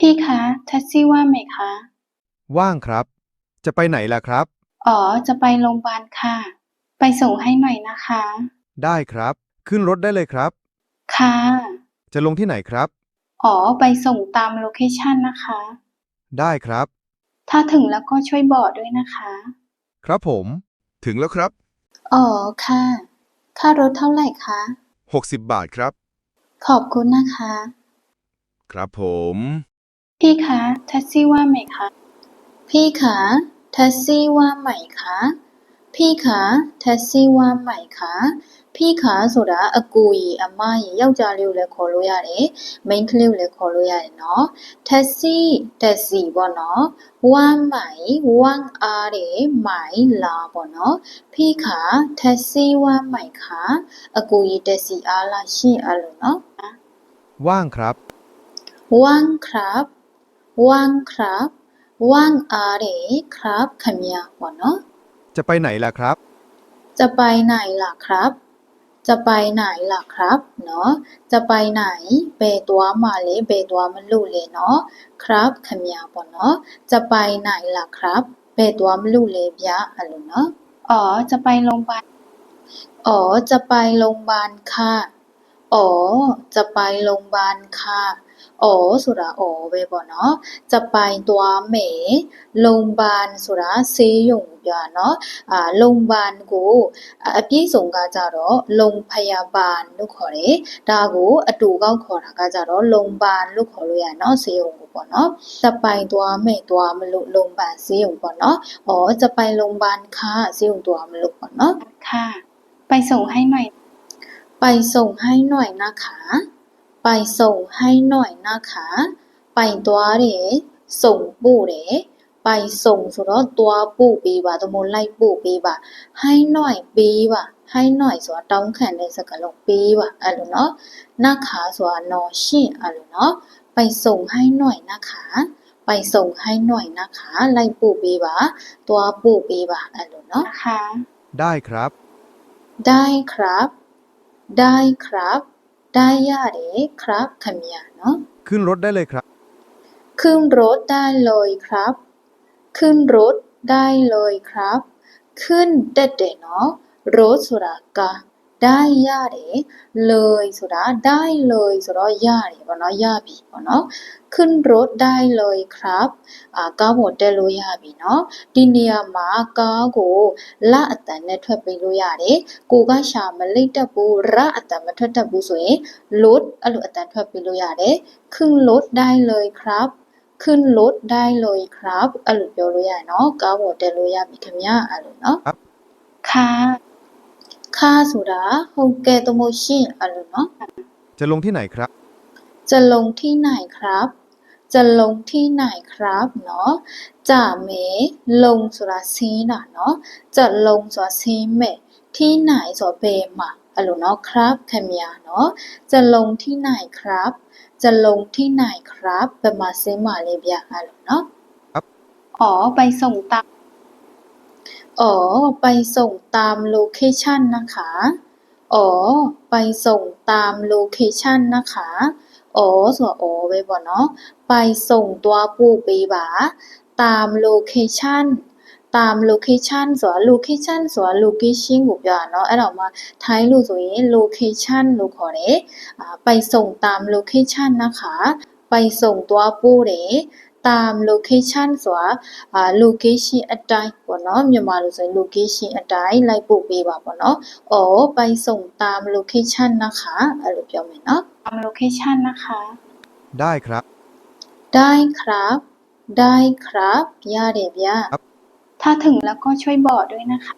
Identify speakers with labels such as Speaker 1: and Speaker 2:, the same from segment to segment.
Speaker 1: พี่คะแท็กซี่ว่างไหมคะ
Speaker 2: ว่างครับจะไปไหนล่ะครับ
Speaker 1: อ๋อจะไปโรงพยาบาลค่ะไปส่งให้หน่อยนะคะ
Speaker 2: ได้ครับขึ้นรถได้เลยครับ
Speaker 1: ค่ะ
Speaker 2: จะลงที่ไหนครับ
Speaker 1: อ๋อไปส่งตามโลเคชันนะคะ
Speaker 2: ได้ครับ
Speaker 1: ถ้าถึงแล้วก็ช่วยบอกด้วยนะคะ
Speaker 2: ครับผมถึงแล้วครับ
Speaker 1: อ๋อค่ะค่ารถเท่าไหร่คะ
Speaker 2: 60 บาทครับ
Speaker 1: ขอบคุณนะคะ
Speaker 2: ครับผม
Speaker 1: พี่คะแท็กซี่ว่างไหมคะพี่คะแท็กซี่ว่างไหมคะพี่คะแท็กซี่ว่างไหมคะพี่คะဆိုတာအကူကြီးအမကြီးယောက်ျားလေးကိုလည်းခေါ်လို့ရတယ်မိန်းကလေးကိုလည်းခေါ်လို့ရတယ်เนาะแท็กซี่တက်စီပေါ့เนาะဝမ်းไหมဝမ်းအားတယ်ไหมလာပေါ့เนาะพี่คะแท็กซี่ว่างไหมคะအကူကြီးတက်စီအားလားရှင့်အဲ့လိုเนาะ
Speaker 2: ว่างครับ
Speaker 1: ว่างครับว่างครับว่างအားတယ်ครับခင်ဗျာပေါ့เนาะ
Speaker 2: จะไปไหนล่ะครับ
Speaker 1: จะไปไหนล่ะครับจะไปไหนล่ะครับเนาะจะไปไหนဘယ်သွားမှာလဲဘယ်သွားမလို့လဲเนาะครับခင်ဗျာပေါ့เนาะจะไปไหนล่ะครับဘယ်သွားမလို့လဲဗျအဲ့လိုเนาะอ๋อจะไปโรงพยาบาลอ๋อจะไปโรงพยาบาลค่ะอ๋อจะไปโรงพยาบาลค่ะอ๋อဆိုတာอ๋อပဲပေါ့เนาะจะไปသွားမယ်โรงพยาบาลဆိုတာဆေးရုံကိုပြောတာเนาะโรงพยาบาลကိုအပြည့်စုံကကြတော့โรงพยาบาลလို့ခေါ်တယ်ဒါကိုအတူကောက်ခေါ်တာကကြတော့โรงพยาบาลလို့ခေါ်လို့ရတယ်เนาะဆေးရုံကိုပေါ့เนาะจะไปသွားမယ်သွားမလို့โรงพยาบาลဆေးရုံပေါ့เนาะอ๋อจะไปโรงพยาบาลค่ะဆေးရုံသွားမလို့ပေါ့เนาะค่ะไปส่งให้หน่อยไปส่งให้หน่อยนะคะไปส่งให้หน่อยนะคะไปသွားတယ်ส่งပို့တယ်ไปส่งဆိုတော့သွားပို့ပေးပါသို့မဟုတ်လိုက်ပို့ပေးပါให้หน่อยပေးပါให้หน่อยဆိုတာတောင်းခံတဲ့စကားလုံးပေးပါအဲ့လိုเนาะนะคะဆိုတာနော်ရှင့်အဲ့လိုเนาะไปส่งให้หน่อยนะคะไปส่งให้หน่อยนะคะလိုက်ပို့ပေးပါသွားပို့ပေးပါအဲ့လိုเนาะนะคะ
Speaker 2: ได้ครับ
Speaker 1: ได้ครับได้ครับได้ရတယ်ครับခင်ဗျာเนาะ
Speaker 2: ขึ้นรถได้เลยครับ
Speaker 1: ขึ้นรถได้เลยครับขึ้นรถได้เลยครับขึ้นတက်တယ်เนาะรถဆိုတာကားได้ရတယ်เลยဆိုတာได้เลยဆိုတော့ရတယ်ပေါ့เนาะရပြီပေါ့เนาะขึ้นรถได้เลยครับကားပေါ်တက်လို့ရပြီเนาะဒီနေရာမှာကားကိုလအတန်နဲ့ထွက်ပေးလို့ရတယ်ကိုကရှာမလိမ့်တက်ဘူးရအတန်မထွက်တတ်ဘူးဆိုရင် rถ အဲ့လိုအတန်ထွက်ပေးလို့ရတယ်ขึ้นรถได้เลยครับขึ้นรถได้เลยครับအဲ့လိုပြောလို့ရတယ်เนาะကားပေါ်တက်လို့ရပြီခင်ဗျအဲ့လိုเนาะ
Speaker 2: ครับ
Speaker 1: ค่ะค่ะဆိုတာဟုတ်ကဲ့သို့မဟုတ်ရှင့်အဲ့လိုเนาะ
Speaker 2: จะลงที่ไหนครับ
Speaker 1: จะลงที่ไหนครับจะลงที่ไหนครับเนาะจะမယ်ลงဆိုတာဆင်းတာเนาะจะลงဆိုတာဆင်းမယ်ที่ไหนဆိုတာဘယ်မှာအဲ့လိုเนาะครับခင်ဗျာเนาะจะลงที่ไหนครับจะลงที่ไหนครับဘယ်မှာဆင်းမှာလဲဗျအဲ့လိုเนาะ
Speaker 2: ครับ
Speaker 1: อ๋อไปส่งตามอ๋อไปส่งตามโลเคชันนะคะอ๋อไปส่งตามโลเคชันนะคะอ๋อဆိုတာอ๋อပဲပေါ့เนาะไปส่งသွားပို့ပေးပါตามโลเคชันตาม location ဆိုတာ location ဆိုတာ location ကိုပြောတာเนาะအဲ့တော့မှထိုင်းလို့ဆိုရင် location လို့ခေါ်တယ်ไปส่งตาม location นะคะไปส่งသွားပို့တယ်ตาม location ဆိုတာlocation အတိုင်းပေါ့เนาะမြန်မာလိုဆိုရင် location အတိုင်းလိုက်ပို့ပေးပါပေါ့เนาะอ๋อไปส่งตาม location นะคะအဲ့လိုပြောမယ်เนาะตาม location นะคะ
Speaker 2: ได้ครับ
Speaker 1: ได้ครับได้ครับရတယ်ဗျ
Speaker 2: ครับ
Speaker 1: ถ้าถึงแล้วก็ช่วยบอกด้วยนะคะ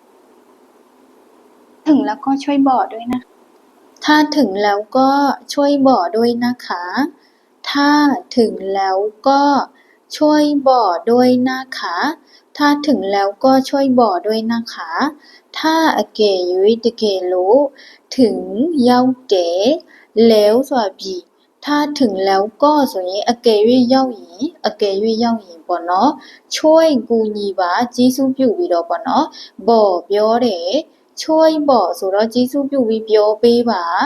Speaker 1: ถึงแล้วก็ช่วยบอกด้วยนะคะถ้าถึงแล้วก็ช่วยบอกด้วยนะคะถ้าถึงแล้วก็ช่วยบอกด้วยนะคะถ้าถึงแล้วก็ช่วยบอกด้วยนะคะถ้าအကယ်၍တကယ်လို့ถึงရောက်တယ်แล้วဆိုတာပြီถ้าถึงแล้วก็ဆိုရင်အကယ်၍ရောက်ရင်အကယ်၍ရောက်ရင်ပေါ့เนาะช่วยကူညီပါကျေးဇူးပြုပြီးတော့ပေါ့เนาะบอกပြောတယ်ช่วยบอกဆိုတော့ကျေးဇူးပြုပြီးပြောပေးပါ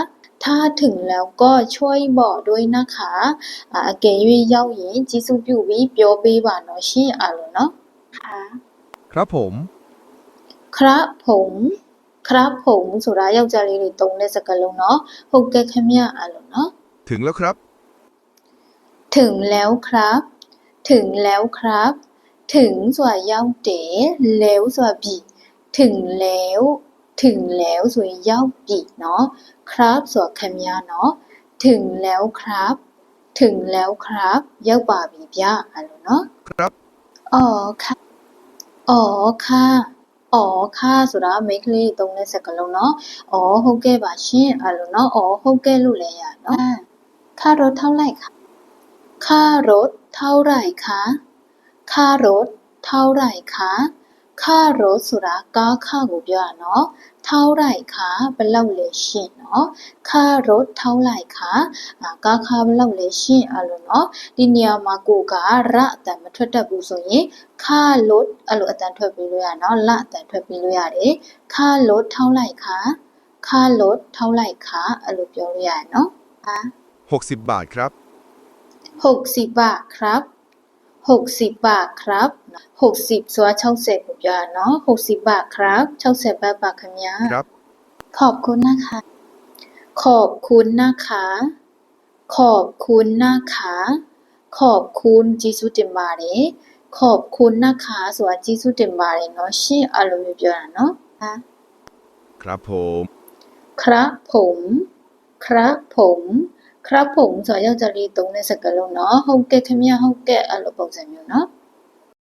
Speaker 1: ถ้าถึงแล้วก็ช่วยบอกด้วยนะคะအကယ်၍ရောက်ရင်ကျေးဇူးပြုပြီးပြောပေးပါနော်ရှင်အဲ့လိုနော်ค่ะ
Speaker 2: ครับผม
Speaker 1: ครับผมครับผมဆိုတာယောက်ျားလေးတွေသုံးတဲ့စကားလုံးเนาะဟုတ်ကဲ့ခင်ဗျအဲ့လိုเนาะ
Speaker 2: ถึงแล้วครับ
Speaker 1: ถึงแล้วครับถึงแล้วครับ ถึงဆိုတာရောက်တယ်แล้วဆိုတာပြီถึงแล้วถึงแล้วဆိုရင်ရောက်ပြီเนาะครับဆိုတာခင်ဗျเนาะถึงแล้วครับ ถึงแล้วครับရောက်ပါပြီဗျအဲ့လိုเนาะ
Speaker 2: ครับ
Speaker 1: อ๋อค่ะอ๋อค่ะอ๋อค่ะဆိုတာမိန်းကလေးသုံးတဲ့စကားလုံးเนาะอ๋อဟုတ်ကဲ့ပါရှင်အဲ့လိုเนาะอ๋อဟုတ်ကဲ့လို့လည်းရเนาะค่ารถเท่าไหร่คะค่ารถเท่าไหร่คะค่ารถเท่าไหร่คะค่ารถဆိုတာကားခကိုပြောတာเนาะเท่าไหร่คะဘယ်လောက်လဲရှင်เนาะค่ารถเท่าไหร่คะကားခဘယ်လောက်လဲရှင်အဲ့လိုเนาะဒီနေရာမှာကိုကရအတန်မထွက်တတ်ဘူးဆိုရင်ค่ารถအဲ့လိုအတန်ထွက်ပြီးလို့ရเนาะလအတန်ထွက်ပြီးလို့ရတယ်ค่ารถเท่าไหร่คะค่ารถเท่าไหร่คะအဲ့လိုပြောလို့ရတယ်เนาะ
Speaker 2: 60 บาทครับ
Speaker 1: 60 บาทครับ60 บาทครับ60ဆိုတာ60ကိုပြောတာเนาะ60 บาทครับ60 บาทပါခင်ဗျာ
Speaker 2: ครับ
Speaker 1: ขอบคุณนะคะ ขอบคุณนะคะ ขอบคุณนะคะ ขอบคุณကျေးဇူးတင်ပါတယ်ขอบคุณนะคะဆိုတာကျေးဇူးတင်ပါတယ်เนาะရှင်အဲ့လိုမျိုးပြောတာเนาะ
Speaker 2: ครับผม
Speaker 1: ครับผมครับผมครับผมဆိုတာယောက်ျားလေးသုံးတဲ့စကားလုံးเนาะဟုတ်ကဲ့ခင်ဗျဟုတ်ကဲ့အဲ့လိုပုံစံမျိုးเนาะ